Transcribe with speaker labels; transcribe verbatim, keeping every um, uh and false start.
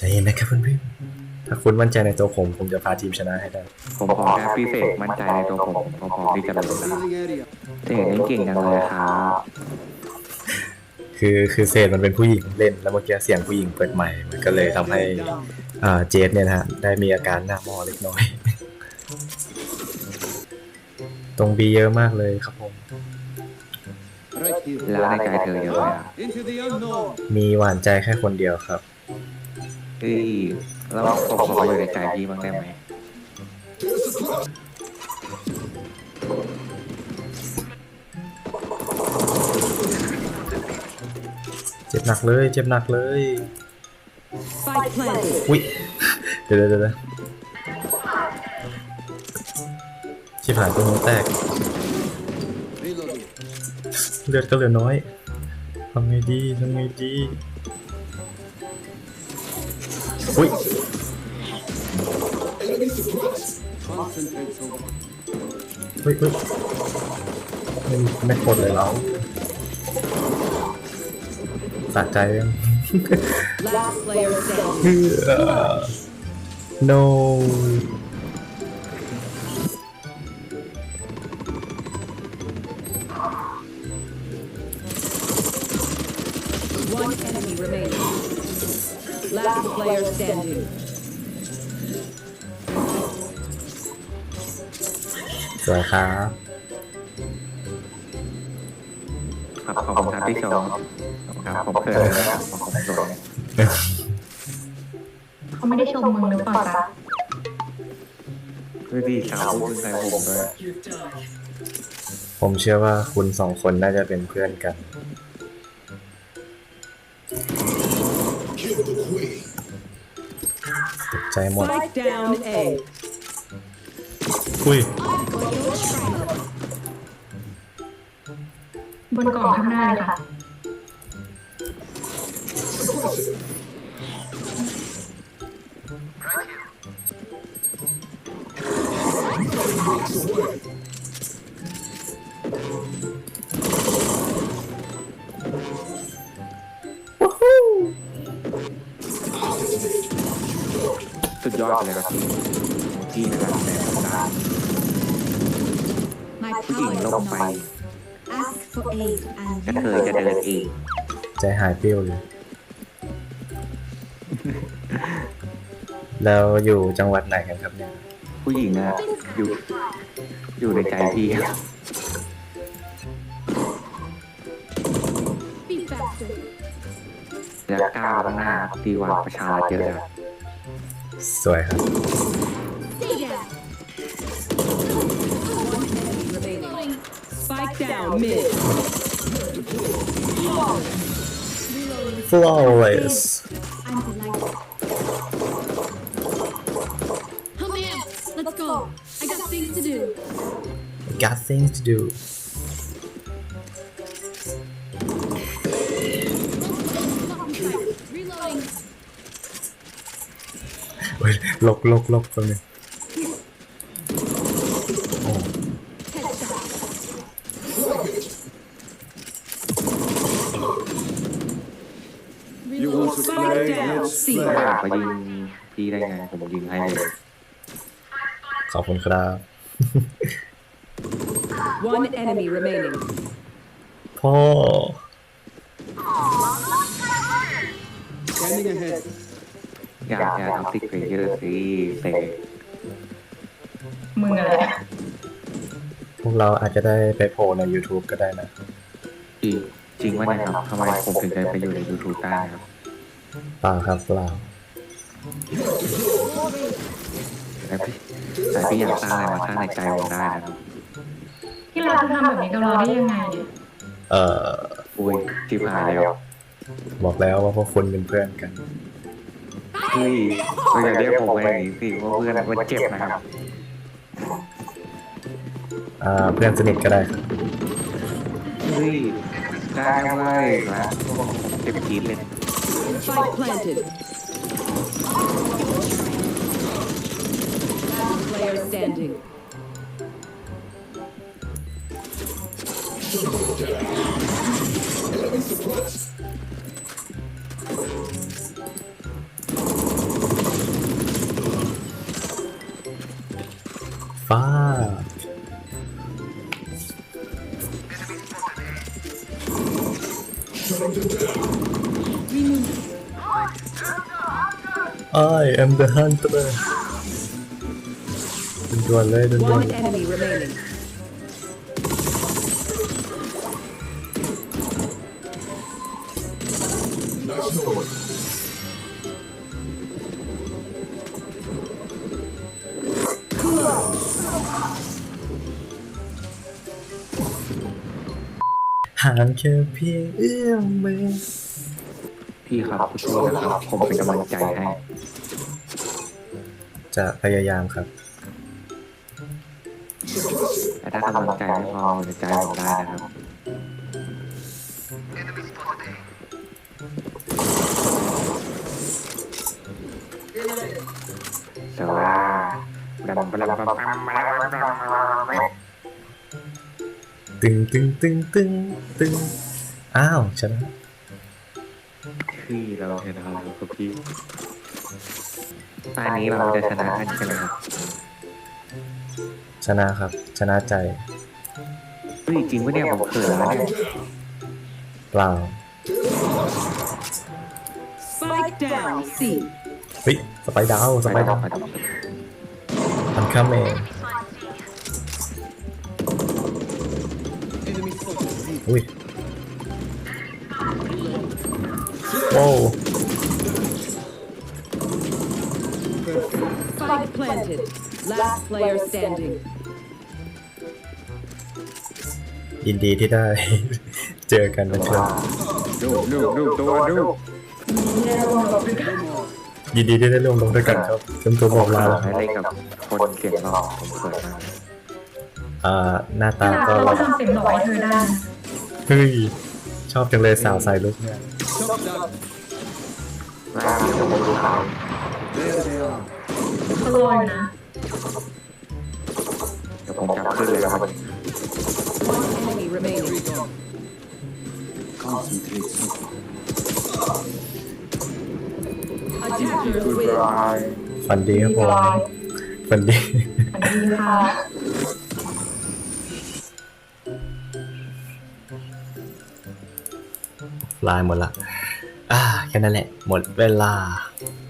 Speaker 1: ใจเย็นนะครับเพื่อนๆถ้าคุณมั่นใจในตัวผมผมจะพาทีมชนะให้ได้
Speaker 2: ผมขอแค่พิเศษมั่นใจในตัวผมผมพร้อมที่จะลงแล้วเจ๋งเล่นเก่งจังเลยครับ
Speaker 1: คือคือเซนมันเป็นผู้หญิงเล่นแล้วเมื่อกี้เสียงผู้หญิงเปิดใหม่มันก็เลยทำให้อ่าเจสเนี่ยนะฮะได้มีอาการหน้ามอเล็กน้อยตรงบีเยอะมากเลยครับผม
Speaker 2: แล้วในใจเธอเยอะไหมอ่ะ
Speaker 1: มีหวานใจแค่คนเดียวครับ
Speaker 2: เฮ้ยแล้วผมขออยู่ในใจพี่บ้างได้ไหม
Speaker 1: เจ็บหนักเลยเจ็บหนักเลยอุ้ยเดี๋ยวเดี๋ยวเดี๋ยวชิบหายตัวนี้แตกเลือดก็เหลือน้อยทำไงดีทำไงดีอุ้ยเฮ้ยเฮ้ยไม่ไม่กดเลยเราสะใจยัง no
Speaker 3: One enemy remaining. Last player standing.
Speaker 1: สวยครับ
Speaker 2: ครับขอบคุณครับที่ชมครับผมเคยนะครับผมเคย
Speaker 4: เขาไม่ได้ชมมึงหรือเปล่าจ๊ะ
Speaker 2: คือดีสาวพูดใส่ผมด้วย
Speaker 1: ผมเชื่อว่าคุณสองคนน่าจะเป็นเพื่อนกันตกใจหมด
Speaker 3: Spike down A.
Speaker 1: อุ้ย
Speaker 4: บนกล่องข้างหน้าเลยค่ะ
Speaker 2: สุดยอดเลยครับพี่ที่นะครับแต่ต่างผู้หญิงลงไปกระเทยจะเดินเอง
Speaker 1: ใจหายเปรี้ยวเลยแล้วอยู่จังหวัดไหนกันครับเนี่ย
Speaker 2: ผู้หญิงอะอยู่อยู่ในใจพี่จะก้าวข้างหน้าดีกว่าประชาชนเยอะ
Speaker 1: สวยครับ
Speaker 3: Spike down mid.
Speaker 1: flawless
Speaker 5: Come in. Let's go. I got things to do.
Speaker 1: got things to do
Speaker 5: Reloading.
Speaker 1: เฮ้ยลบลบลบคนนึง
Speaker 3: Spike down C.
Speaker 2: บ้าไปยิงพี่ได้ไงผมยิงให้เลย
Speaker 1: ขอบคุณครับ
Speaker 3: One enemy remaining.
Speaker 1: พ่อ
Speaker 2: อยากอยากทำติ๊กเพลเยอร์สิเตะ
Speaker 4: มึงอะไร
Speaker 1: พวกเราอาจจะได้ไปโผล่ใน YouTube ก็ได้นะ
Speaker 2: จริงจริงว่าเนี่ยครับทำไมผมถึงได้ไปอยู่ใน YouTube ได้ครับ
Speaker 1: เปล่าครับเปล่า
Speaker 2: แต่พี่แต่พี่อยากสร้างอะไรมาสร้างในใจผมได้นะครับ
Speaker 4: ที่เราทำแบบนี้กับเราได้ยังไงเนี่ย
Speaker 1: เอ่อ
Speaker 2: อุ้ยที่ผ่านแล้ว
Speaker 1: บอกแล้วว่าพวกคุณเป็นเพื่อนกัน
Speaker 2: เฮ้ยเราอย่าเรียกผมไปอย่างนี้สิว่าเพื่อนมันเจ็บนะครับ
Speaker 1: อ่าเพื่อนสนิทก็ได้ครับ
Speaker 2: เฮ้ยได้เว้ยนะเจ็บจี๊ดเลย
Speaker 3: Spike planted. Last player standing.
Speaker 1: ฟ้า I am the hunter ด่วนๆเลยด่วน
Speaker 3: One enemy remaining.
Speaker 1: ๆห่างแค่เพียงเอื้อมมือ
Speaker 2: พี่ครับสู้ๆนะครับ ผมเป็นกำลังใจให้
Speaker 1: จะพยายามครับ
Speaker 2: แต่ถ้ากำลังใจไม่พอในใจผมได้นะครับ แต่ว่าบลัมบลัมบลัมบลัมบลัมบลัม
Speaker 1: ตึงตึงตึงตึงตึงอ้าวชนะ
Speaker 2: พี่เราชนะแล้วครับพี่ตอนนี้เราจะชนะกันใช่ไหมครับ
Speaker 1: ชนะครับ ชนะใจ
Speaker 2: เฮ้ยจริงปะเนี่ยผมเขินแล้วเนี่ย
Speaker 1: เปล่า
Speaker 3: Spike down. C.
Speaker 1: เฮ้ยสไปดาวสไป
Speaker 2: ไป
Speaker 1: ดา
Speaker 2: ต่อ
Speaker 1: ว
Speaker 2: ไปต่อ
Speaker 1: ทำข้ามเองอุ้ยโว้ว
Speaker 3: Spike planted. Last player standing.
Speaker 1: ยินดีที่ได้ เจอกันนะครับ
Speaker 2: ดูดูดูตัวดู
Speaker 1: ยินดีที่ได้ร่วมลงด้วยกันครับจนตัวบอกลา
Speaker 2: ให้เล่นกับคนเก่งหรอกผมเขินมาก
Speaker 1: อ่าหน้าตา
Speaker 4: เรา
Speaker 1: ก็
Speaker 4: ทำเสียงหล่อให้เธอได้
Speaker 1: เฮ้ยชอบจังเลยสาวใส่ลุกเนี่ย
Speaker 2: ลาที่ผมดูเขา
Speaker 4: เขารออยู่นะ
Speaker 2: เดี๋ยวผมจับขึ้นเลยครับ
Speaker 3: One enemy remaining. Attackers win.
Speaker 1: ฝันดีครับผมฝันดี
Speaker 4: อันนี้ค่ะ
Speaker 1: ลายหมดละ อ่า แค่นั้นแหละ หมดเวลา